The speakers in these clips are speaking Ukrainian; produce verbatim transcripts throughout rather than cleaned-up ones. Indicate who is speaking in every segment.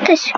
Speaker 1: Дивитись.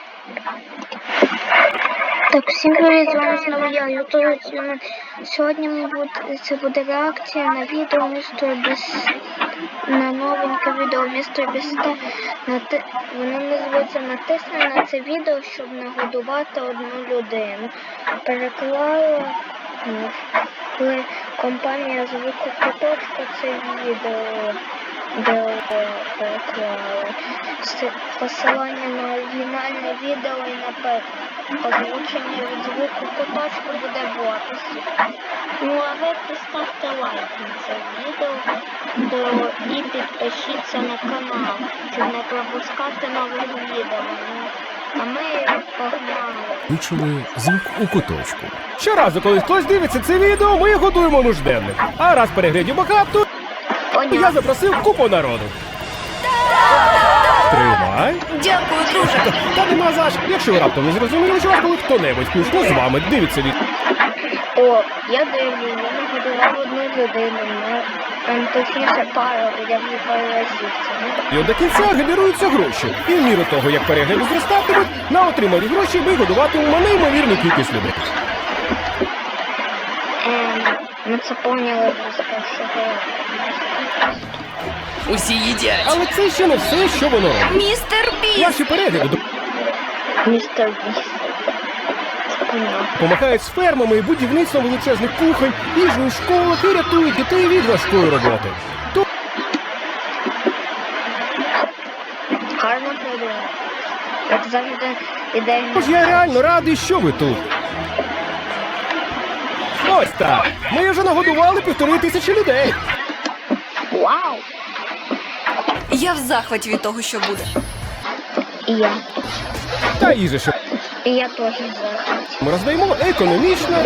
Speaker 1: Так, всім привіт, з вами знову я, Ютуб. Сьогодні ми буде, це буде реакція на відео містер Без... на новеньке відео містер Біста. Нати... Воно називається «Натисни на це відео, щоб нагодувати одну людину». Переклала ну, компанія звуку Куточка це відео. Де переклали. Посилання на оригінальне відео і на озвучення від звуку Куточку буде в описі. Ну а ви поставте лайк на це відео і підпишіться на канал, щоб не пропускати нових відео. А ми погнали.
Speaker 2: Вичули звук у Куточку. Щоразу, коли хтось дивиться це відео, ми годуємо нужденних. А раз переглядів багато, я запросив купу народу. Тримай.
Speaker 3: Дякую, друже.
Speaker 2: Та нема за що. Якщо ви раптом не зрозуміли, що коли хто-небудь включно з вами дивиться від...
Speaker 1: О, я дивлю, я нагодував одну людину, там точніше пару, я вже пару разів це.
Speaker 2: І от до кінця генеруються гроші. І в міру того, як перегляди зростатимуть, на отримані гроші ми годуватимемо неймовірну кількість людей.
Speaker 1: Ем, ми це поняли вже з першого.
Speaker 3: Усі їдять.
Speaker 2: Але це ще не все, що воно робить.
Speaker 3: Містер Біст!
Speaker 2: Ваші перегляди
Speaker 1: Містер Біст.
Speaker 2: допомагають з фермами і будівництвом величезних кухонь, їжею в школах і рятують дітей від важкої роботи. То...
Speaker 1: Гарно придумали. Як завжди ідея.
Speaker 2: Тож я реально радий, що ви тут. Ось так. Ми вже нагодували півтори тисячі людей.
Speaker 1: Вау!
Speaker 3: Я в захваті від того, що буде.
Speaker 1: І я.
Speaker 2: Та їжа, що
Speaker 1: І я теж в захваті.
Speaker 2: ми роздаємо економічно.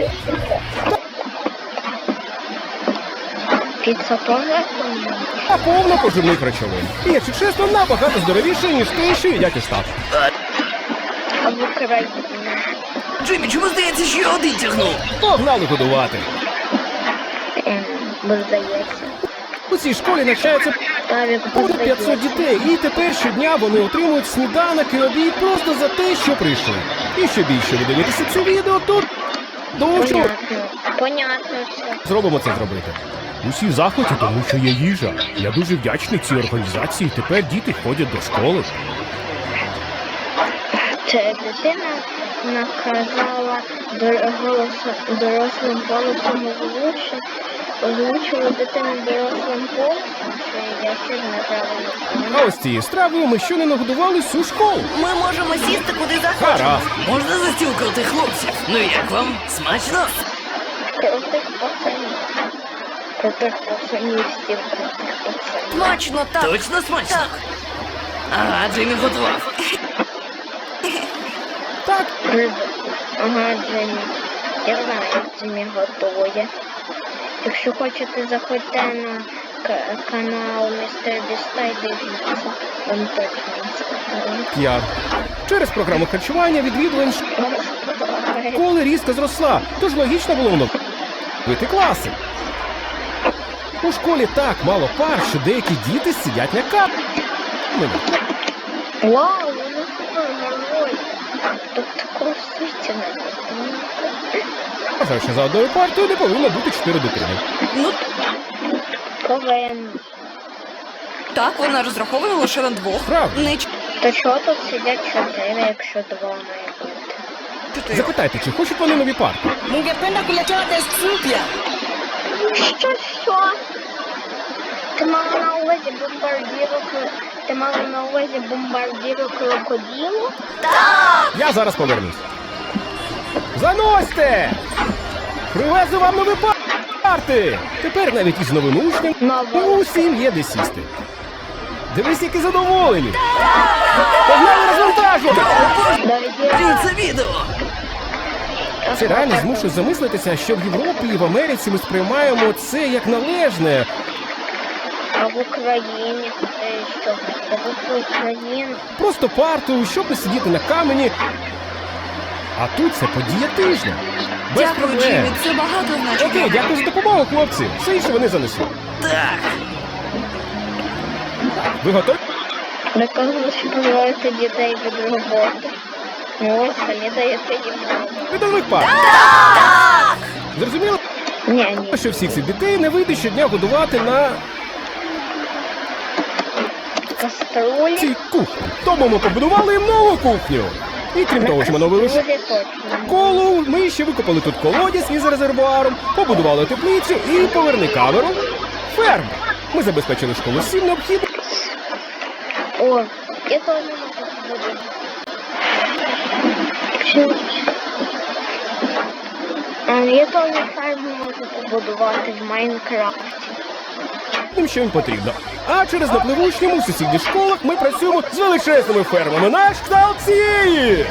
Speaker 1: Піца теж економічна.
Speaker 2: Та повно поживних речовин. І, якщо чесно, набагато здоровіше, ніж те, що їдять у Штатах.
Speaker 1: А в Україні.
Speaker 3: Джиммі, чому здається, що я один тягнув?
Speaker 2: Погнали годувати.
Speaker 1: Ем, бо здається.
Speaker 2: У цій школі навчаються
Speaker 1: Тавік, бо
Speaker 2: понад п'ятсот
Speaker 1: здається.
Speaker 2: дітей, і тепер щодня вони отримують сніданок і обід просто за те, що прийшли. І що більше ви дивитеся це відео, то до чого
Speaker 1: Понятно. Понятно все.
Speaker 2: зробимо це зробити. Усі в захваті, тому що є їжа. Я дуже вдячний цій організації. Тепер діти ходять до школи.
Speaker 1: Це дитина наказала голосом, дорослим голосом озвучити. Озвучила дитину дорослим голосом, що я ще неправильно сказала.
Speaker 2: А ось цією стравою ми ще не нагодували всю школу.
Speaker 3: Ми можемо сісти куди захочемо.
Speaker 2: Гаразд.
Speaker 3: Можна за стіл крутих хлопців? Ну як вам? Смачно?
Speaker 1: Крутих пацанів. Крутих пацанів, стів крутих пацанів.
Speaker 3: Смачно, так. Точно смачно? Так. Ага, Джиммі готував.
Speaker 2: Так,
Speaker 1: Риба. Ага, Джиммі. Я знаю, як Джиммі готує. Якщо хочете, заходьте на к- канал містер Біста і дивіться. Вам точно сподобається.
Speaker 2: я. Через програму харчування відвідувань
Speaker 1: Вам сподобається.
Speaker 2: школи різко зросла, тож логічно було воно бити класи. У школі так мало пар, що деякі діти сидять на камені.
Speaker 1: Вау, вони супергерої. Тут такого світі не було.
Speaker 2: Вважаю, що за одною партією не повинно бути чотири дитини.
Speaker 3: Ну,
Speaker 1: Повинен.
Speaker 3: так, вона розрахована лише на двох.
Speaker 2: Правда.
Speaker 3: Не
Speaker 1: То чого тут сидять чотири, якщо два має бути?
Speaker 3: чотири.
Speaker 2: Запитайте, чи хочуть вони нові парти?
Speaker 3: Mungependa kuletewa test mpya.
Speaker 1: Що, що? Ти мала на увазі бомбардіру, ти мала на увазі бомбардіру крокодилу?
Speaker 2: Я зараз повернусь. Заносьте! Привезу вам нові парти! Тепер навіть із новими учнями
Speaker 1: Нова.
Speaker 2: усім є де сісти. Дивись, які задоволені! Погнали розвантажувати!
Speaker 1: Доведіть.
Speaker 3: Це відео.
Speaker 2: Це реально змушує замислитися, що в Європі і в Америці ми сприймаємо це як належне.
Speaker 1: А в Україні е, що? А в Україні
Speaker 2: Просто парту, щоб не сидіти на камені. А тут це подія тижня. Без
Speaker 3: Дякую,
Speaker 2: проблем.
Speaker 3: Джиммі, це багато значить.
Speaker 2: Окей, дякую за допомогу, хлопці. Все інше вони занесуть.
Speaker 3: Так.
Speaker 2: Ви готові?
Speaker 1: Наказано позбавити дітей від роботи. Ну ось самі даєте їм роботу.
Speaker 2: Рядових пар. Зрозуміло,
Speaker 1: Ні, ні.
Speaker 2: що всіх цих дітей не вийде щодня годувати на
Speaker 1: Каструлі.
Speaker 2: цій кухні. Тому ми побудували їм нову кухню. І крім того, що ми новили
Speaker 1: Каструлі точно.
Speaker 2: школу, ми ще викопали тут колодязь із резервуаром, побудували теплицю і поверни камеру ферму. Ми забезпечили школу всім необхідним.
Speaker 1: О, я теж можу побудувати. Е, Я теж ферму можу побудувати в Майнкрафті.
Speaker 2: Тим, що їм потрібно. А через напливучньому в сусідніх школах ми працюємо з величезними фермами. Наш кшталт цієї!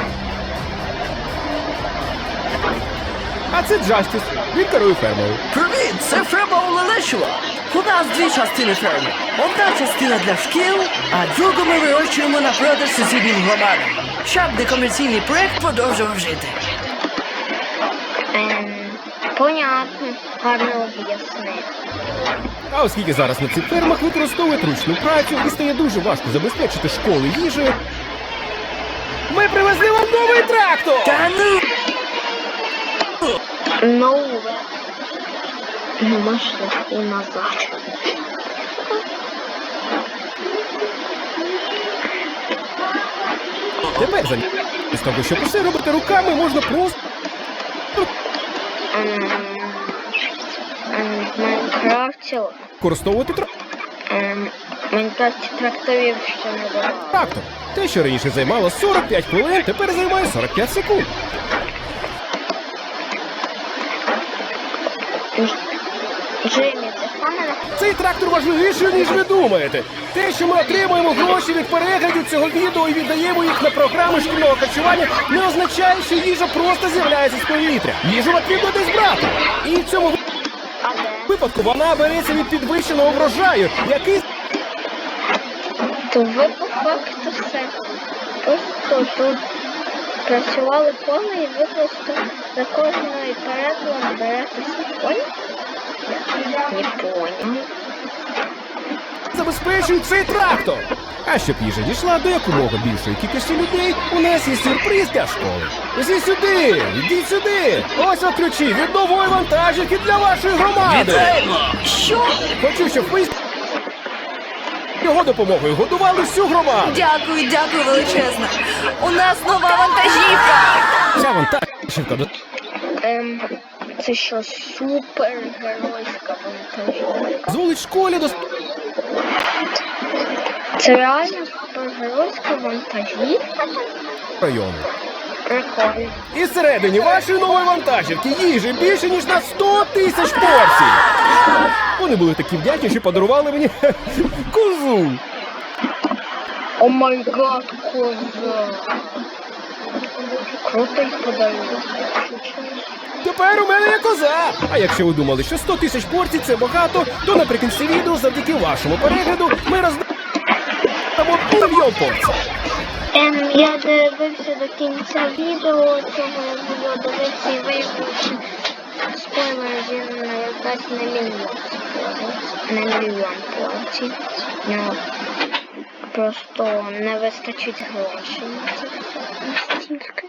Speaker 2: А це Джастіс. Він керує фермою.
Speaker 3: Привіт, це ферма Олелешева. У нас дві частини ферми. Одна частина для шкіл, а другу ми вирощуємо на продаж сусіднім громадам, щоб некомерційний проект продовжував жити.
Speaker 1: Ем, понятно, гарно об'яснив.
Speaker 2: А оскільки зараз на цих фермах використовують ручну працю і стає дуже важко забезпечити школи їжею, ми привезли вам новий трактор!
Speaker 3: Та ну!
Speaker 1: Нове. Нема шляху назад.
Speaker 2: Тепер замість того, щоб усе робити руками, можна просто
Speaker 1: Ем, ем, в Майнкрафті,
Speaker 2: використовувати трактор.
Speaker 1: ем, в Майнкрафті тракторів ще не було.
Speaker 2: Трактор. Те, що раніше займало сорок п'ять хвилин, тепер займає сорок п'ять секунд.
Speaker 1: Джиммі, це камера?
Speaker 2: Цей трактор важливіший, ніж ви думаєте. Те, що ми отримуємо гроші від переглядів цього відео і віддаємо їх на програми шкільного харчування, не означає, що їжа просто з'являється з повітря. Їжу потрібно десь брати. І в цьому
Speaker 1: А де?
Speaker 2: випадку вона береться від підвищеного врожаю, який
Speaker 1: То ви по факту все. Просто тут працювали поле і ви просто за кожною перекладом берете свій поле? Не понял.
Speaker 2: забезпечує цей трактор. А щоб їжа дійшла до якомога більшої кількості людей, у нас є сюрприз для школи. Усі сюди! Йдіть сюди! Ось вам ключі від нової вантажівки для вашої громади!
Speaker 3: Вітаємо! Що?
Speaker 2: Хочу, щоб ви з його допомогою годували всю громаду!
Speaker 4: Дякую, дякую величезно. У нас нова вантажівка.
Speaker 2: Ця вантажівка до...
Speaker 1: Ем, це що, супергеройська вантажівка?
Speaker 2: дозволить школі до
Speaker 1: Це реально супергеройська вантажівка?
Speaker 2: району.
Speaker 1: Прикольно.
Speaker 2: І всередині вашої нової вантажівки їжі більше, ніж на сто тисяч порцій! Вони були такі вдячні, що подарували мені козу!
Speaker 1: О май гад, коза. Крутий подарунок.
Speaker 2: Тепер у мене є коза! А якщо ви думали, що сто тисяч порцій це багато, то наприкінці відео завдяки вашому перегляду ми роздамо мільйон порцій.
Speaker 1: Ем, я дивився до кінця відео, цього я буду дивитися і виявився спойлер, він не роздасть на мільйон спойлер, на мільйон порцій. Ну, просто не вистачить грошей на це настільки.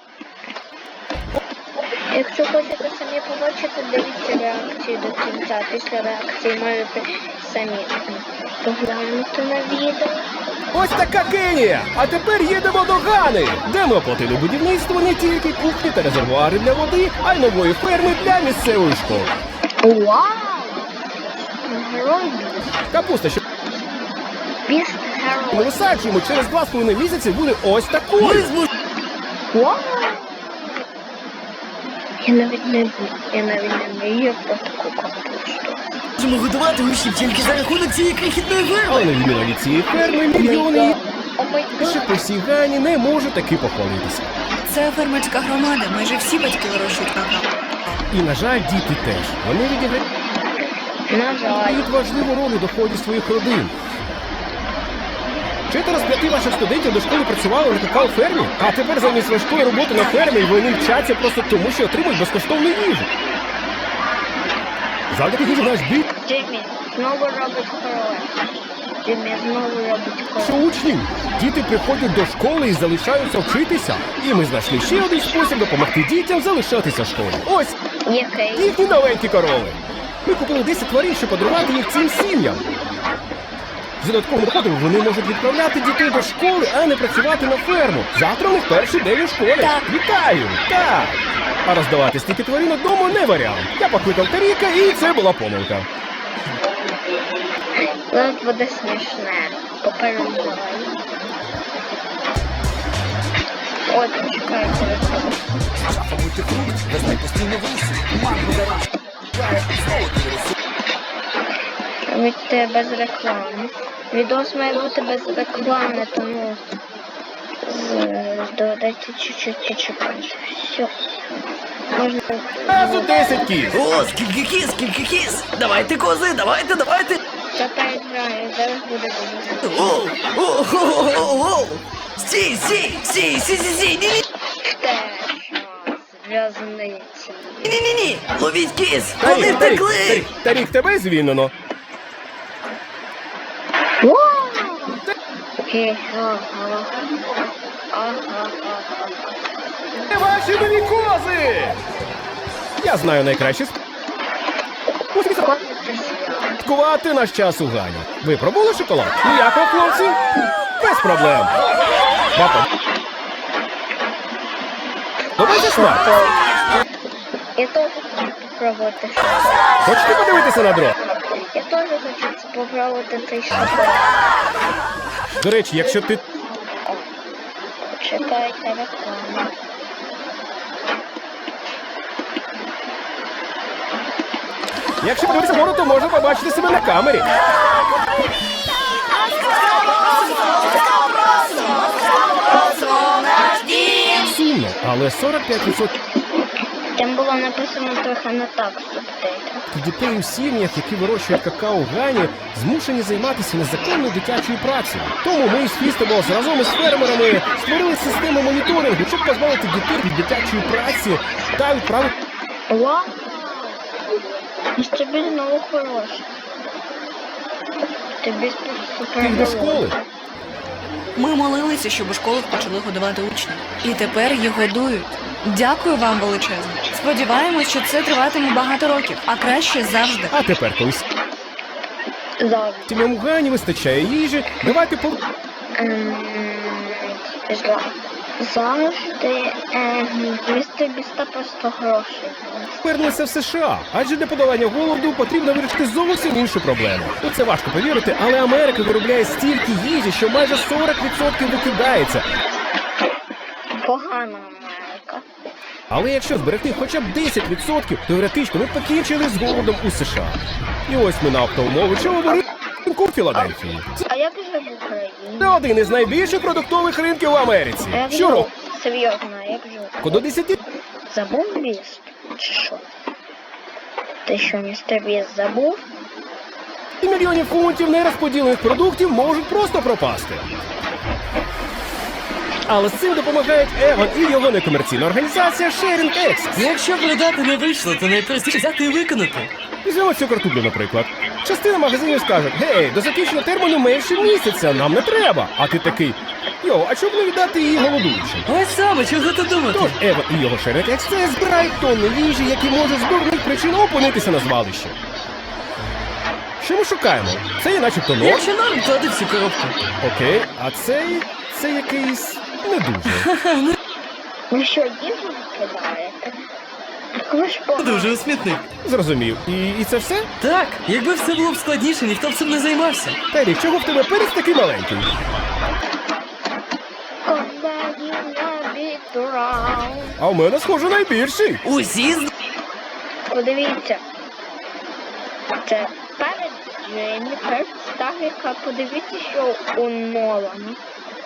Speaker 1: Якщо хочете самі побачити, дивіться реакцію до кінця. Після реакції можете самі поглянути на відео.
Speaker 2: Ось така Кенія! А тепер їдемо до Гани, де ми оплатили будівництво не тільки кухні та резервуари для води, а й нової ферми для місцевої школи.
Speaker 1: Вау! Герой
Speaker 2: Капуста, що
Speaker 1: біст
Speaker 2: ми
Speaker 1: герой.
Speaker 2: висаджуємо через два з половиною місяці, буде ось такою.
Speaker 3: Ми зможемо
Speaker 1: Вау! Я навіть не я навіть не мрію про таку капусту.
Speaker 3: годувати учнів тільки за рахунок цієї крихітної
Speaker 2: Але
Speaker 3: ферми.
Speaker 2: на відміну від цієї ферми, мільйони
Speaker 1: О май
Speaker 2: інших
Speaker 1: гад!
Speaker 2: по всій Гані не можуть таки похвалитися.
Speaker 4: Це фермерська громада. Майже всі батьки вирощують какао.
Speaker 2: І, на жаль, діти теж. Вони відіграють
Speaker 1: На жаль.
Speaker 2: важливу роль у доході своїх родин. Четверо з п'яти ваших студентів до школи працювали на какао-фермі, а тепер замість важкої роботи на фермі вони вчаться просто тому, що отримують безкоштовну їжу. Завдяки їжі наш бій
Speaker 1: Джиммі знову робить королев. костюмі знову робить
Speaker 2: Що
Speaker 1: коло.
Speaker 2: учнів? Діти приходять до школи і залишаються вчитися. І ми знайшли ще один спосіб допомогти дітям залишатися в школі. Ось
Speaker 1: Який?
Speaker 2: їхні новенькі корови. Ми купили десять тварин, щоб подарувати їх цим сім'ям. За додатковим доходом вони можуть відправляти дітей до школи, а не працювати на ферму. Завтра у них перший день у школі.
Speaker 4: Так.
Speaker 2: Вітаю! Так! А роздавати стільки тварин одному не варіант. Я покликав Таріка, і це була помилка.
Speaker 1: Навіть буде смішне. Попереджаю. От, чекайте. Від тебе без реклами. Відос має бути без реклами, тому з- доведеться чуть-чуть почекати. Все. Можна.
Speaker 2: Разу десять кіз.
Speaker 3: О, скільки кіз, скільки кіз! Давайте, кози, давайте, давайте!
Speaker 1: Тепер граю, зараз буде дуже.
Speaker 3: О, о, о, о, о, о! Стій, стій, стій, стій, стій, стій, ні, ні,
Speaker 1: Те, що зв'язниці.
Speaker 3: ні, ні, ні, ловіть кіз,
Speaker 2: Тарік,
Speaker 3: вони
Speaker 2: Тарік,
Speaker 3: втекли!
Speaker 2: Тарік, Тарік, тебе звільнено.
Speaker 1: Хе, ага. Ага, ага.
Speaker 2: Це ваші нові кози! Я знаю найкраще
Speaker 1: Козити
Speaker 2: святкувати наш час у Гані. Ви пробули шоколад? Ніякого, хлопці? Без проблем. Папа. Давайте смак.
Speaker 1: Я теж хочу спробувати.
Speaker 2: Хочете подивитися на дрон?
Speaker 1: Я теж хочу спробувати цей шоколад.
Speaker 2: До речі, якщо ти
Speaker 1: Чекайте рекламу.
Speaker 2: Якщо подивитися вгору, то можна побачити себе на камері. Сумно, але сорок п'ять відсотків
Speaker 1: Там було написано трохи не так в субтитрах.
Speaker 2: дітей у сім'ях, які вирощують какао в Гані, змушені займатися незаконною дитячою працею. Тому ми з Фістеблс разом із фермерами створили систему моніторингу, щоб позбавити дітей від дитячої праці та відправити
Speaker 1: Вау! І тобі знову хороше. Тобі супер.
Speaker 2: їх до школи.
Speaker 4: Ми молилися, щоб у школах почали годувати учнів. І тепер їх годують. Дякую вам величезно. Сподіваємось, що це триватиме багато років, а краще завжди.
Speaker 2: А тепер, коли
Speaker 1: Завжди.
Speaker 2: сім'ям у Гані вистачає їжі, давайте по...
Speaker 1: Ем, зла- Завжди ем, містер Біста просто гроші.
Speaker 2: Повернемося в США, адже для подолання голоду потрібно вирішити зовсім іншу проблему. Ну, це важко повірити, але Америка виробляє стільки їжі, що майже сорок відсотків викидається.
Speaker 1: Погана Америка.
Speaker 2: Але якщо зберегти хоча б десять відсотків, теоретично ми покінчили з голодом у США. І ось ми на оптовому ринку в Філадельфії.
Speaker 1: А як же в Україні?
Speaker 2: Це один із найбільших продуктових ринків в Америці.
Speaker 1: А як же?
Speaker 2: Щороку
Speaker 1: Серйозно, а як же?
Speaker 2: до десяти
Speaker 1: Забув Біст? Чи що? Ти що, містер Біст забув?
Speaker 2: мільйонів фунтів нерозподілених продуктів можуть просто пропасти. Але з цим допомагають Еван і його некомерційна організація Sharing Access.
Speaker 3: Якщо продати не вийшло, то найпростіше взяти і виконати.
Speaker 2: Візьмемо цю картоплю, наприклад. Частина магазинів скаже: гей, до закінчення терміну менше місяця, нам не треба. А ти такий: йо, а чому б не віддати її голодуючим?
Speaker 3: Ось саме, чого тут думати?
Speaker 2: Тож Еван і його Sharing Access збирають тонни їжі, які можуть з дурних причин опинитися на звалищі. Що ми шукаємо? Це є начебто норм.
Speaker 3: Якщо норм, то ти всю коробку.
Speaker 2: Окей, а цей... це якийсь... не дуже.
Speaker 1: Ви що, їжу викидаєте? Так ви ж погано.
Speaker 3: Дуже у смітник.
Speaker 2: Зрозумів. І, і це все?
Speaker 3: Так, якби все було б складніше, ніхто б цим не займався.
Speaker 2: Терік, чого в тебе перець такий маленький?
Speaker 1: Колеги на бітурау.
Speaker 2: А в мене, схоже, найбільший.
Speaker 3: Усі з...
Speaker 1: Подивіться. Це перед Дженніфер Старіка. Подивіться, що у Нолана.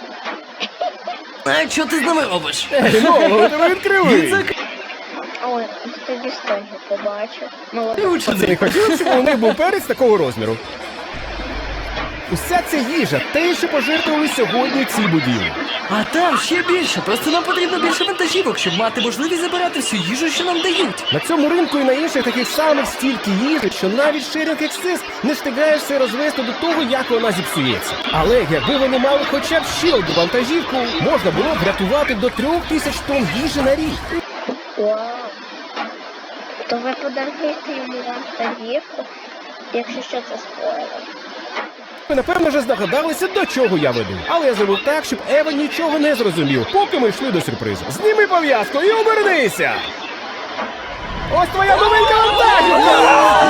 Speaker 3: А що ти з нами робиш?
Speaker 2: Ей, ну, у тебе відкривий.
Speaker 3: Він зак...
Speaker 1: Ой, тобі стойно побачив.
Speaker 3: Ти
Speaker 1: Молодець.
Speaker 2: Це не
Speaker 3: учений.
Speaker 2: хотів, щоб у них був перець такого розміру. Уся ця їжа, те, що пожертвували сьогодні ці будівлі.
Speaker 3: А там ще більше. Просто нам потрібно більше вантажівок, щоб мати можливість забирати всю їжу, що нам дають.
Speaker 2: На цьому ринку і на інших таких самих стільки їжі, що навіть Sharing Access не встигаєш все розвести до того, як вона зіпсується. Але якби вони мали хоча б ще одну вантажівку, можна було б врятувати до трьох тисяч тонн їжі на рік.
Speaker 1: Вау. То ви подаруєте йому вантажівку, якщо що це спойлер.
Speaker 2: Ви, напевно, вже здогадалися, до чого я веду. Але я зробив так, щоб Ева нічого не зрозумів, поки ми йшли до сюрпризу. Зніми пов'язку і обернися! Ось твоя новенька вантажівка!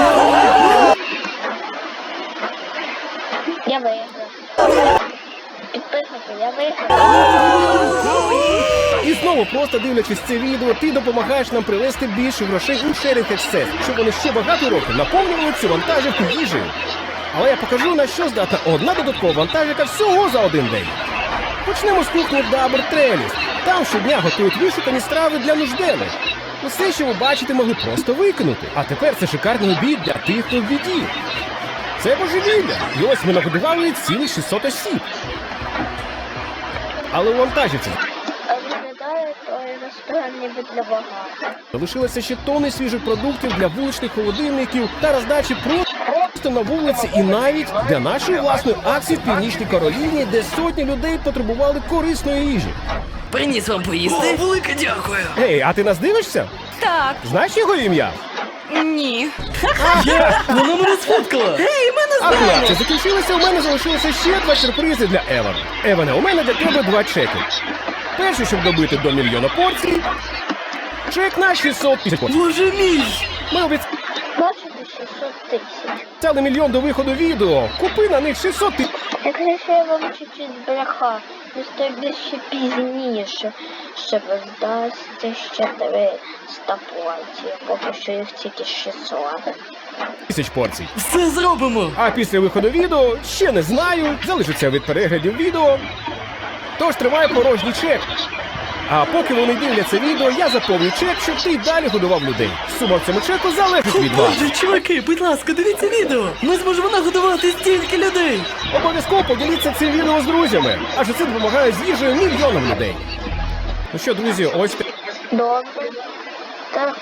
Speaker 1: Я виграв. Підписати, я виграв.
Speaker 2: І знову, просто дивлячись це відео, ти допомагаєш нам привезти більше грошей у Sharing Access, щоб вони ще багато років наповнювали цю вантажівку їжею. Але я покажу, на що здатна одна додаткова вантажівка всього за один день. Почнемо з кухні Дабр Треліс. Там щодня готують вишукані страви для нужденних. Усе, що ви бачите, могли просто викинути. А тепер це шикарний обід для тих, хто в біді. Це божевілля. І ось ми нагодували цілих шістсот осіб. Але у вантажівці
Speaker 1: А виглядає той ресторан ніби для багато.
Speaker 2: залишилося ще тонни свіжих продуктів для вуличних холодильників та роздачі просто на вулиці і навіть для нашої власної акції в Північній Кароліні, де сотні людей потребували корисної їжі.
Speaker 3: Приніс вам поїсти? О, велике дякую.
Speaker 2: Ей, а ти нас дивишся?
Speaker 4: Так,
Speaker 2: Знаєш його ім'я?
Speaker 4: ні.
Speaker 3: Я? Вона мене сфоткала. Гей, ми не
Speaker 2: А
Speaker 3: знаємо.
Speaker 2: хлопці, закінчилося, у мене залишилося ще два сюрпризи для Евана. Еване, у мене для тебе два чеки. Перший, щоб добити до мільйона порцій. Чек на шістсот тисяч порцій.
Speaker 3: Боже мій.
Speaker 2: Ми
Speaker 1: Бачите, шістсот тисяч.
Speaker 2: обіцяли мільйон до виходу відео. Купи на них шістсот тисяч.
Speaker 1: Якщо я вам чуть-чуть збрехав, то більше пізніше, що ви здасться ще триста порцій, поки що їх тільки шістсот.
Speaker 2: Тисяч порцій.
Speaker 3: Все зробимо.
Speaker 2: А після виходу відео ще не знаю, залишиться від переглядів відео. Тож тримай порожній чек. А поки вони дивляться відео, я заповню чек, щоб ти й далі годував людей. Сума в цьому чеку залежить
Speaker 3: О,
Speaker 2: від вас.
Speaker 3: Боже, чуваки, будь ласка, дивіться відео. Ми зможемо нагодувати стільки людей.
Speaker 2: Обов'язково поділіться цим відео з друзями, адже це допомагає з їжею мільйонам людей. Ну що, друзі, ось те-
Speaker 1: Добре. Так.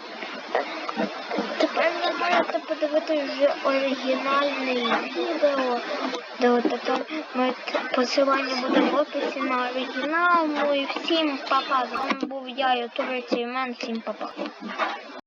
Speaker 1: Тепер ви маєте подивитися вже оригінальне відео, де от тепер ми посилання буде в описі на оригінал. Ну і всім па-па. З вами був я, ютубер Цеймен. Всім па-па.